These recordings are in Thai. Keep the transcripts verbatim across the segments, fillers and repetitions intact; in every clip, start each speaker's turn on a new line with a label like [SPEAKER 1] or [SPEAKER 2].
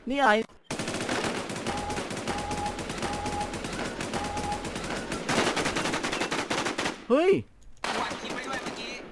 [SPEAKER 1] นี่อะไรเฮ้ย
[SPEAKER 2] วัดคลิปไปด้วยเมื่อกี้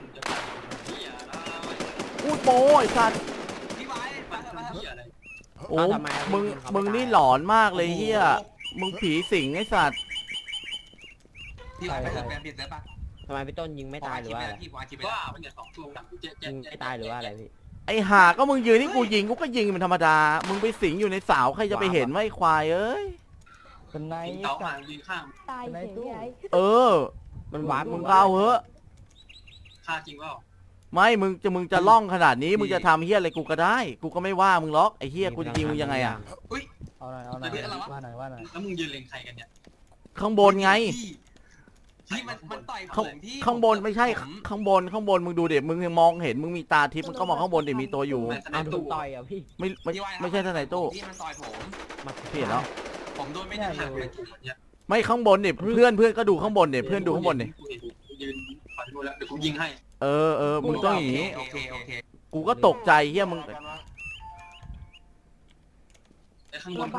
[SPEAKER 1] พูดโป้ไอ้สัตว์
[SPEAKER 2] พี่ไว้มาเถอะมาเถอะ
[SPEAKER 1] โอ้มึงมึงนี่หลอนมากเลยเฮียมึงผีสิงไอ้สัตว์
[SPEAKER 2] พี่ไว้ไปเถอะแปลเปลี่ยนเสื้อป่ะ
[SPEAKER 3] ทำไมพี่ต้นยิงไม่ตายหรือว่าอะไร
[SPEAKER 2] พี่วางคลิปไป
[SPEAKER 4] ว่า
[SPEAKER 2] แล้ว
[SPEAKER 4] มันเนี่ยสองตัวกับเจ็ด
[SPEAKER 3] ยิงไม่ตายหรือว่าอะไรพี่
[SPEAKER 1] ไอ้ห่าก็มึงยืนนี่กูยิงกูก็ยิงมันธรรมดามึงไปสิงอยู่ในเสาใครจะไปเห็นว่าไอ้ควายเอ้ย
[SPEAKER 5] เป็นไง
[SPEAKER 4] ยิงเต้าห่างยิงข้าง
[SPEAKER 6] ตายเฉยพี่ไอ้
[SPEAKER 1] เออ
[SPEAKER 3] มันวาร์ป
[SPEAKER 1] มึงก็เอาเหอะ
[SPEAKER 4] ฆ่าจริงเปล่า
[SPEAKER 1] ไม่มึงจะมึงจะล่องขนาดนี้มึงจะทำเฮียอะไรกูก็ได้กูก็ไม่ว่ามึงหรอกไอ้เฮียกูจะยิงมึงยังไงอะ
[SPEAKER 5] เอาหน่อยเอาหน่อยว่าหน่อยว่าหน่อย
[SPEAKER 4] แล้วมึงยืนเล็งใครกันเนี่ย
[SPEAKER 1] ข้างบนไง
[SPEAKER 2] พี่มันมันต่อยผ
[SPEAKER 1] ข้าง
[SPEAKER 2] มพี่
[SPEAKER 1] ข้างบนไม่ใช่
[SPEAKER 2] ผม
[SPEAKER 1] ข้างบนข้างบนมึงดูเด็มึงมองเห็นมึงมีตาทิพย์มึงก็มองข้างบนเด็มีตัวอยู่
[SPEAKER 3] เอาถูกต่อยอ่ะพี่
[SPEAKER 1] ไม่ไม่
[SPEAKER 2] พี่ว้
[SPEAKER 1] ไม่ใช่ทนายตู้
[SPEAKER 2] พี่มันต่อยผม
[SPEAKER 3] มา
[SPEAKER 1] พี่เห็นแล้ว
[SPEAKER 2] ผมโดนไม่ได้
[SPEAKER 4] ห่า
[SPEAKER 2] หั
[SPEAKER 4] ง
[SPEAKER 2] ก
[SPEAKER 4] ไป
[SPEAKER 2] เลย
[SPEAKER 4] กลุ่มเนี่ย
[SPEAKER 1] ไม่ข้างบนเนี่ยเพื่อนเพื่อนก็ดูข้างบนเนี่ยเพื่อนดูข้างบนเนี่ย
[SPEAKER 4] ยืนฝันดูแล้วเดี๋ยวกูยิงให้
[SPEAKER 1] เออเออมึงต้องอย่างนี้
[SPEAKER 2] โอเคโอเค
[SPEAKER 1] กูก็ตกใจเฮียมึง
[SPEAKER 4] ไอ้ข้างบน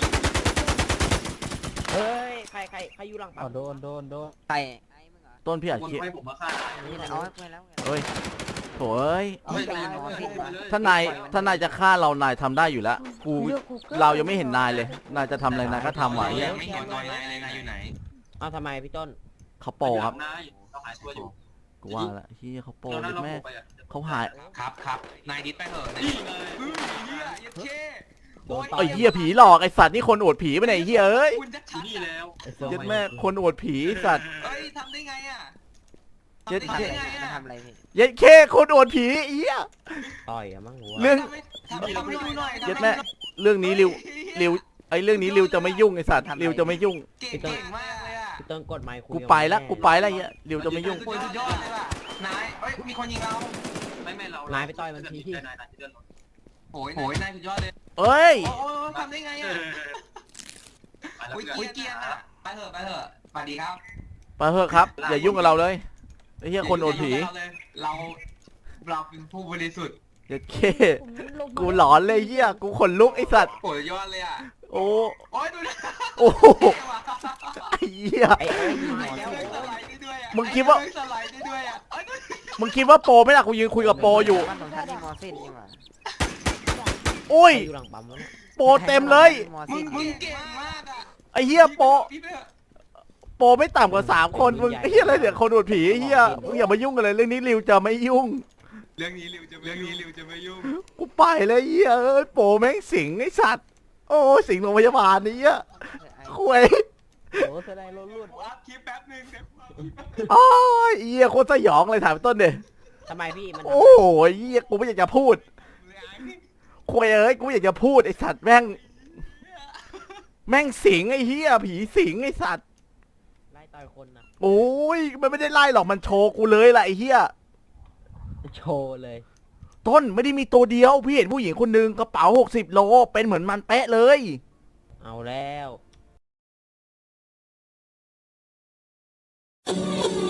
[SPEAKER 3] เฮ้ยใครใครใครอยู่หลังปั๊
[SPEAKER 5] เอา
[SPEAKER 3] ม
[SPEAKER 5] โดนโดนโดน
[SPEAKER 7] ใคร
[SPEAKER 1] ต้นพี่อา
[SPEAKER 4] บน
[SPEAKER 1] ชีพ
[SPEAKER 4] ไฟผมมาฆ่า
[SPEAKER 7] นี่แหละเอาไปแล้วไง
[SPEAKER 1] เฮ้ยโถ่เอ้ย
[SPEAKER 4] เฮ้ยไปเลยไปเลย
[SPEAKER 1] ถ้านายถ้านายจะฆ่าเรานายทำได้อยู่แล้วกูเรายังไม่เห็นนายเลยนายจะทำอะไรนายก็ทำไหว
[SPEAKER 2] ยั
[SPEAKER 1] เงี้ย
[SPEAKER 2] งไม่เห็นตัวนายเลยนายอยู่ไหน
[SPEAKER 3] เอาทำไมพี่ต้น
[SPEAKER 1] เขาโปรครับ
[SPEAKER 4] นายเขาหายตัวอยู่
[SPEAKER 1] กูว่าละเฮียเขาโปร
[SPEAKER 4] เราหน้าเรา
[SPEAKER 1] แม่
[SPEAKER 4] ไปอ่ะ
[SPEAKER 1] เขาหาย
[SPEAKER 2] ครับครับนายดิสไปเถอะนาย
[SPEAKER 4] นี่ไง
[SPEAKER 2] เฮ้ยเฮียยัดเช่
[SPEAKER 3] โดนต่อ
[SPEAKER 1] ไอ้เฮียผีหลอกไอ้สัตว์นี่คนอวดผีไปไหนเฮียเอ้ย
[SPEAKER 2] คุณจะชัด
[SPEAKER 4] นี่แล้ว
[SPEAKER 1] ยัดแม่คนอวดผีสัตว์
[SPEAKER 2] เฮ้ยทำได้ไงอ่ะ
[SPEAKER 1] เย็ด
[SPEAKER 2] ทำได้ไง
[SPEAKER 7] จะ
[SPEAKER 2] อ่ะ
[SPEAKER 7] ทำอะไรพี่
[SPEAKER 1] ยัดเคคนอวดผีเฮีย
[SPEAKER 3] ต่อยอะมั้งหัว
[SPEAKER 1] เรื่อง
[SPEAKER 2] ทำให้ทำให้ดูหน่อย
[SPEAKER 1] ยัดแม่เรื่องนี้ริวริวไอ้เรื่องนี้ริวจะไม่ยุ่งไอ้สัตว์ริวจะไม่ยุ่ง
[SPEAKER 2] เก่งเก่งมากเลยอ่ะ
[SPEAKER 3] พี่ต้นกดไมค์คุย
[SPEAKER 1] กูไปละกูไปละเฮียริวจะไม่ยุ่ง
[SPEAKER 2] โอ้ยสุดยอดเลยว่ะนายเฮ้ยมีคนยิงเรา
[SPEAKER 4] ไม่ไม่เรานายนายที่เดินรถ
[SPEAKER 2] โอ้ยโอ้ยนายสุดยอดเลย
[SPEAKER 1] เอ้ย
[SPEAKER 2] โอ้ยทำได้ไงอ่ะโอ้ยเกียร์อ่ะไปเถอะไปเถอะสวัสดีครับ
[SPEAKER 1] ไปเถอะครับอย่ายุ่งกับเราเลยไอ้เฮียคนอวดผี
[SPEAKER 2] เราเราเป็นผู้บริสุทธิ์
[SPEAKER 1] ยัดเค
[SPEAKER 6] ผมลงมา
[SPEAKER 1] กูหลอนเลยเฮียกูขนลุกไอ้สัตว์
[SPEAKER 2] โอ้ยยอดเลยอ่ะ
[SPEAKER 1] โอ้
[SPEAKER 2] โอ้ยดูนะ
[SPEAKER 1] โอ้โหไอ้เหี้ย
[SPEAKER 3] ไอ้ไอ้ยิง
[SPEAKER 2] ไอ้
[SPEAKER 3] หัว
[SPEAKER 2] เรื่องสไลด์ได้ด้วยอ่ะ
[SPEAKER 1] มึงคิดว่า
[SPEAKER 2] ไอ้เรื่องสไลด์ได้ด้วยอ่ะ
[SPEAKER 1] มึงคิดว่าโปรไหม่ล่ะกูยืนคุยกับโปรอยู่
[SPEAKER 7] บ้านของท่านนี่มอสิ้นนี่หว่า
[SPEAKER 1] อุ้ย
[SPEAKER 3] อยู่หลังปั๊มแล้วเนี่ย
[SPEAKER 1] โปรเต็มเลย
[SPEAKER 7] มอ
[SPEAKER 2] มึ
[SPEAKER 7] สิ้
[SPEAKER 2] ง
[SPEAKER 7] น
[SPEAKER 2] มึงเก่งมากอ่ะ
[SPEAKER 1] ไอ้เหี้ยโปร
[SPEAKER 2] พี่เถอะ
[SPEAKER 1] โปรไม่ต่ำกว่าสามคนมึงไอ้เหี้ยอะไรเนี่ยคนอวดผีไอ้เหี้ยมึงอย่ามายุ่งกันเลยเรื่องนี้ริวจะไม่ยุ่ง
[SPEAKER 2] เรื่องนี้ริวจะเรื่องนี้ริวจะไม่ยุ่ง
[SPEAKER 1] กูไปเลยเหี้ยเอ้ยโปรแม่งสิงไอ้สัตว์โอ้สิงโรงพยาบาลนี่เหี้ยคุย
[SPEAKER 5] โอ้แสดงรถรุ่น
[SPEAKER 2] อัพคลิปแป๊บนึงเดี๋ยว
[SPEAKER 1] โอ้ยเหี้ยโคตรสยองเลยถามต้นเดย
[SPEAKER 3] ทำไมพี่มัน
[SPEAKER 1] โอ้ยเหี้ยกูไม่อยากจะพูดคุยเอ้ยกูไม่อยากจะพูดไอ้สัตว์แม่งแม่งสิงไอ้เหี้ยผีสิงไอ้สัตว์
[SPEAKER 3] ไล่ต่อยคนนะ
[SPEAKER 1] โอ้ยมันไม่ได้ไล่หรอกมันโชว์กูเลยแหละไอ้เหี้ย
[SPEAKER 3] โชว์เลย
[SPEAKER 1] ต้นไม่ได้มีตัวเดียวพี่เห็นผู้หญิงคนหนึ่งกระเป๋าหกสิบโลเป็นเหมือนมันเป๊ะเลย
[SPEAKER 3] เอาแล้ว
[SPEAKER 6] เ